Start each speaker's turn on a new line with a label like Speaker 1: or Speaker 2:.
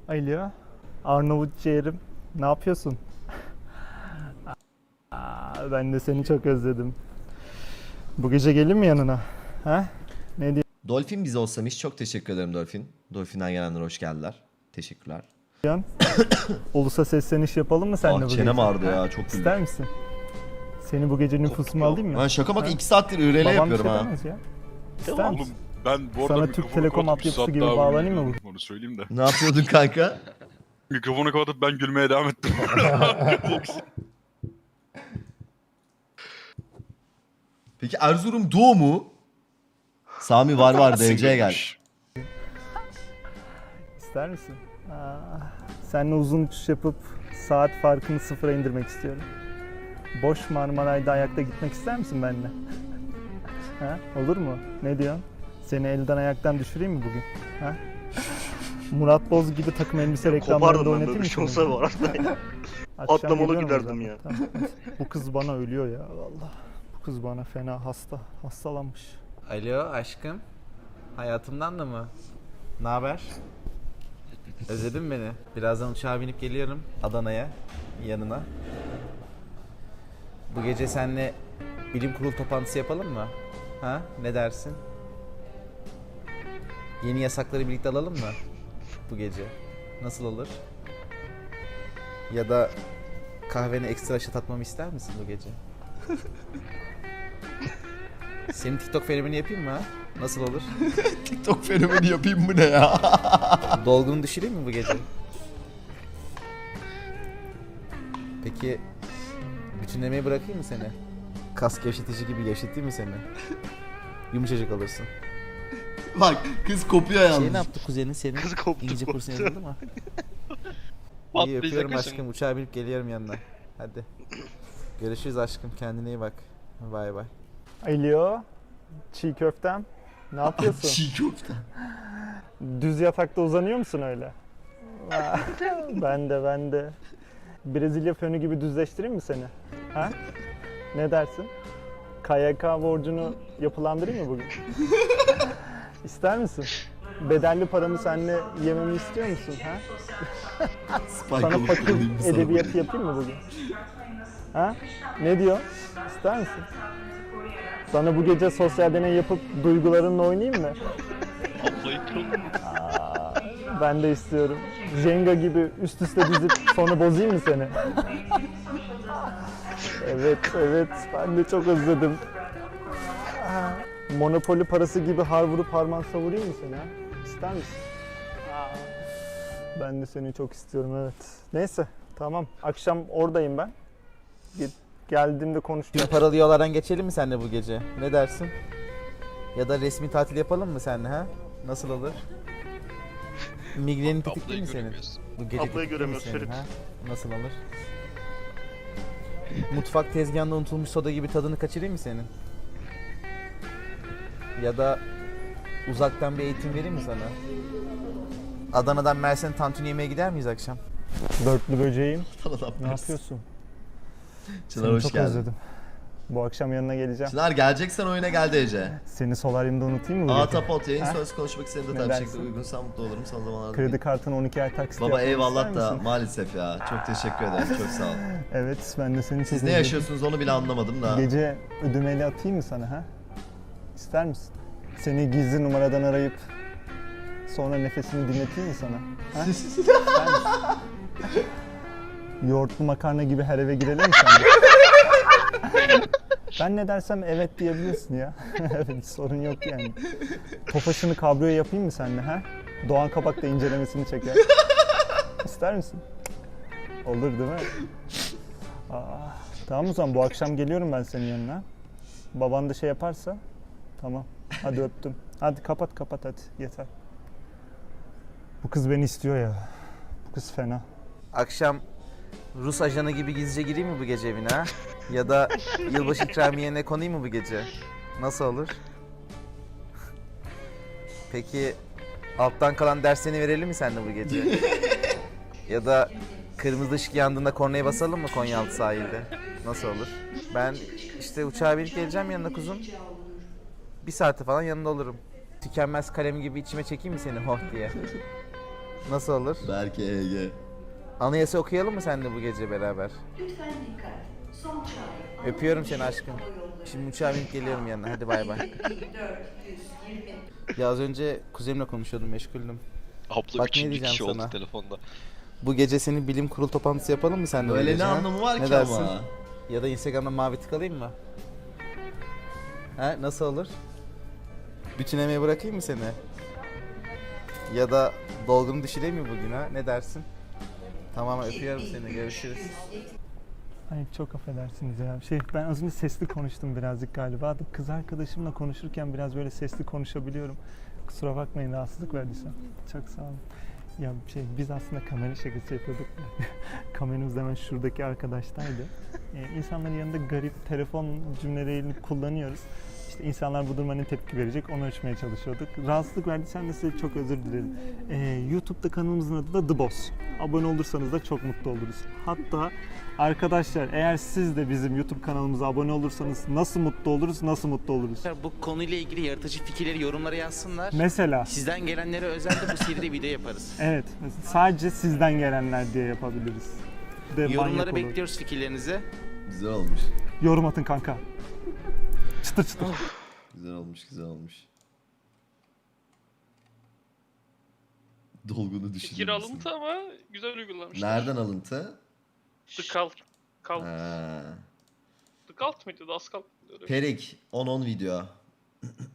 Speaker 1: Alo, Arnavut ciğerim, ne yapıyorsun? Ben de seni çok özledim. Bu gece gelin mi yanına? Ha? Ne
Speaker 2: Dolphin bize olsamış. Çok teşekkür ederim Dolphin. Dolphin'den gelenler hoş geldiler. Teşekkürler.
Speaker 1: diyorsun? Ulusa sesleniş yapalım mı seninle bu gece?
Speaker 2: Çenem ağrıdı
Speaker 1: Ha?
Speaker 2: ya, çok güldüm.
Speaker 1: İster misin? Seni bu gece nüfusuma alayım mı?
Speaker 2: Ben şaka bak
Speaker 1: Ha?
Speaker 2: 2 saattir IRL
Speaker 1: Babam bir
Speaker 2: yapıyorum
Speaker 1: şey
Speaker 2: ha.
Speaker 1: demez ya. İster
Speaker 3: Oğlum
Speaker 1: misin?
Speaker 3: ben bu arada
Speaker 1: Sana
Speaker 3: mikrofonu
Speaker 1: Türk Telekom
Speaker 3: kapatıp bir
Speaker 1: altyapısı
Speaker 3: saat
Speaker 1: gibi
Speaker 3: daha
Speaker 1: bağlanayım mı
Speaker 3: uyuyordum, onu söyleyeyim de.
Speaker 2: Ne yapıyordun kanka?
Speaker 3: Mikrofonu kapatıp ben gülmeye devam ettim.
Speaker 2: Peki Erzurum Doğu mu? Sami var DC'ye gel.
Speaker 3: Gülmüş.
Speaker 1: İster misin? Seninle uzun uçuş yapıp saat farkını sıfıra indirmek istiyorum. Boş Marmaray'da ayakta gitmek ister misin benimle? Ha? Olur mu? Ne diyorsun? Seni elden ayaktan düşüreyim mi bugün? Ha? Murat Boz gibi takım elbise reklamlarında
Speaker 4: Kopardım ben
Speaker 1: oynatayım
Speaker 4: böyle
Speaker 1: mı
Speaker 4: bir şey
Speaker 1: seni?
Speaker 4: olsa bu arada.
Speaker 1: Akşam
Speaker 4: Atlamalı
Speaker 1: geliyorum o
Speaker 4: giderdim
Speaker 1: zaman.
Speaker 4: ya.
Speaker 1: Tamam. Bu kız bana ölüyor ya vallahi. Bu kız bana fena hastalanmış.
Speaker 5: Alo aşkım. Hayatımdan da mı? Ne haber? Özledin mi beni? Birazdan uçağa binip geliyorum Adana'ya, yanına. Bu gece seninle bilim kurulu toplantısı yapalım mı? Ha? Ne dersin? Yeni yasakları birlikte alalım mı? Bu gece. Nasıl olur? Ya da kahvene ekstra şat atmamı ister misin bu gece? Senin TikTok fenomeni yapayım mı ha? Nasıl olur?
Speaker 2: TikTok fenomeni yapayım mı ne ya?
Speaker 5: Dolgunu düşüreyim mi bu gece? Peki bütünlemeyi bırakayım mı seni? Kas gevşetici gibi gevşeteyim mi seni? Yumuşacık olursun.
Speaker 2: Bak kız kopuyor
Speaker 5: Şey
Speaker 2: yalnız.
Speaker 5: ne yaptı kuzenin senin?
Speaker 4: Kız koptu,
Speaker 5: İngilizce
Speaker 4: koptu.
Speaker 5: kursuna yazıldı mı? İyi öpüyorum aşkım. Uçağa binip geliyorum yanına. Hadi. Görüşürüz aşkım. Kendine iyi bak. Bay bay.
Speaker 1: Alo, çiğ köftem. Ne yapıyorsun?
Speaker 2: Çiğ köfte.
Speaker 1: Düz yatakta uzanıyor musun öyle? Ben de. Brezilya fönü gibi düzleştireyim mi seni? Ha? Ne dersin? KYK borcunu yapılandırayım mı bugün? İster misin? Bedelli paramı seninle yememi istiyor musun? Ha?
Speaker 2: Spike
Speaker 1: Sana
Speaker 2: olup
Speaker 1: fakir
Speaker 2: kullanayım sana
Speaker 1: edebiyatı
Speaker 2: böyle.
Speaker 1: yapayım mı bugün? Ha? Ne diyor? İster misin? Sana bu gece sosyal deney yapıp duygularınla oynayayım mı? Ben de istiyorum. Jenga gibi üst üste dizip sonra bozayım mı seni? Evet, ben de çok özledim. Monopoly parası gibi har vurup harman savurayım mı seni ha? İster misin? Ben de seni çok istiyorum, evet. Neyse, tamam. Akşam oradayım ben. Geldiğimde konuşacağız.
Speaker 5: Tüm paralı yollardan geçelim mi seninle bu gece? Ne dersin? Ya da resmi tatil yapalım mı seninle ha? Nasıl olur? Migrenin tetikli mi senin? Bu gece
Speaker 4: Ablayı
Speaker 5: tetikli mi
Speaker 4: göremiyoruz,
Speaker 5: senin,
Speaker 4: Ferit.
Speaker 5: ha? Nasıl olur? Mutfak tezgahında unutulmuş soda gibi tadını kaçırayım mı senin? Ya da uzaktan bir eğitim vereyim mi sana? Adana'dan Mersin tantuni yemeye gider miyiz akşam?
Speaker 1: Dörtlü böceğim.
Speaker 2: Sana
Speaker 1: Ne yapıyorsun?
Speaker 2: Çınar
Speaker 1: Seni
Speaker 2: hoş
Speaker 1: çok
Speaker 2: geldin.
Speaker 1: özledim. Bu akşam yanına geleceğim.
Speaker 2: Çınar geleceksen oyuna gel DC.
Speaker 1: Seni solaryumda unutayım mı? bu gece?
Speaker 2: Atapot yayın
Speaker 1: Ha?
Speaker 2: sonrası konuşmak istediğimde
Speaker 1: Ne
Speaker 2: tabii
Speaker 1: dersin?
Speaker 2: şekilde uygunsan mutlu olurum son zamanlarda.
Speaker 1: Kredi kartını 12 ay taksit
Speaker 2: Baba
Speaker 1: yapmamı
Speaker 2: eyvallah
Speaker 1: ister
Speaker 2: da
Speaker 1: misin?
Speaker 2: maalesef ya. Çok teşekkür ederim. Çok sağ ol.
Speaker 1: Evet, ben de seni çok
Speaker 2: Siz ne
Speaker 1: özledim.
Speaker 2: yaşıyorsunuz onu bile anlamadım da.
Speaker 1: Gece ödemeli atayım mı sana ha? İster misin? Seni gizli numaradan arayıp sonra nefesini dinleteyim mi sana? Ha? İster misin? Yoğurtlu makarna gibi her eve girelim mi sana? Ben ne dersem evet diyebilirsin ya. Evet, sorun yok yani. Tofaşını kabriyo yapayım mı seninle ha? Doğan Kabak da incelemesini çeker. İster misin? Olur değil mi? Tamam o zaman bu akşam geliyorum ben senin yanına. Baban da şey yaparsa tamam. Hadi öptüm. Hadi kapat hadi yeter. Bu kız beni istiyor ya. Bu kız fena.
Speaker 5: Akşam Rus ajanı gibi gizlice gireyim mi bu gece evine ha? Ya da yılbaşı ikramiyene konayım mı bu gece? Nasıl olur? Peki alttan kalan derslerini verelim mi seninle bu gece? Ya da kırmızı ışık yandığında kornaya basalım mı Konyaaltı sahilde? Nasıl olur? Ben işte uçağa binip geleceğim yanına kuzum. Bir saate falan yanında olurum. Tükenmez kalem gibi içime çekeyim mi seni hoh diye? Nasıl olur?
Speaker 2: Berke EG.
Speaker 5: Anayasa okuyalım mı seninle bu gece beraber?
Speaker 4: Lütfen dikkat. Son çağrı.
Speaker 5: Öpüyorum seni aşkım. Şimdi uçağa binip geliyorum yanına. Hadi bay bay.
Speaker 4: 420.
Speaker 5: Ya az önce kuzenimle konuşuyordum, meşguldüm.
Speaker 6: Abla
Speaker 5: Bak ne
Speaker 6: üçüncü
Speaker 5: diyeceğim
Speaker 6: kişi oldu
Speaker 5: sana.
Speaker 6: telefonda.
Speaker 5: Bu gece senin bilim kurulu toplantısı yapalım mı seninle? bu
Speaker 2: Böyle
Speaker 5: gece,
Speaker 2: ne
Speaker 5: ha?
Speaker 2: anlamı var
Speaker 5: Ne
Speaker 2: ki
Speaker 5: dersin?
Speaker 2: ama?
Speaker 5: Ya da Instagram'da mavi tık alayım mı? He, nasıl olur? Bütün emeği bırakayım mı seni? Ya da dolgunu düşüreyim mi bugün ha? Ne dersin? Tamam, öpüyorum seni. Görüşürüz.
Speaker 1: Ay çok affedersiniz ya. Ben az önce sesli konuştum birazcık galiba. Kız arkadaşımla konuşurken biraz böyle sesli konuşabiliyorum. Kusura bakmayın rahatsızlık verdiysem. Çok sağ olun. Ya biz aslında kamera şakası yapıyorduk. Kameramız hemen şuradaki arkadaştaydı. İnsanların yanında garip telefon cümlelerini kullanıyoruz. İşte insanlar bu duruma ne tepki verecek onu ölçmeye çalışıyorduk. Rahatsızlık verdiysem de size çok özür dilerim. YouTube'da kanalımızın adı da The Boss. Abone olursanız da çok mutlu oluruz. Hatta arkadaşlar eğer siz de bizim YouTube kanalımıza abone olursanız nasıl mutlu oluruz, nasıl mutlu oluruz?
Speaker 7: Bu konuyla ilgili yaratıcı fikirleri yorumlara yazsınlar.
Speaker 1: Mesela
Speaker 7: Sizden gelenlere özel de bu seride video yaparız.
Speaker 1: evet sadece sizden gelenler diye yapabiliriz. De manyak
Speaker 7: Yorumları
Speaker 1: olur.
Speaker 7: bekliyoruz fikirlerinizi.
Speaker 2: Güzel olmuş.
Speaker 1: Yorum atın kanka. Çıtır çıtır.
Speaker 2: Güzel olmuş, güzel olmuş. Dolgunu düşünür
Speaker 8: Fikir
Speaker 2: müsün?
Speaker 8: alıntı ama güzel uygulamışlar.
Speaker 2: Nereden alıntı?
Speaker 8: The Cult. Cult.
Speaker 2: Ha.
Speaker 8: The Cult mıydı? Das Cult mıydı? Öyle bir şey.
Speaker 2: Perik 10-10 video.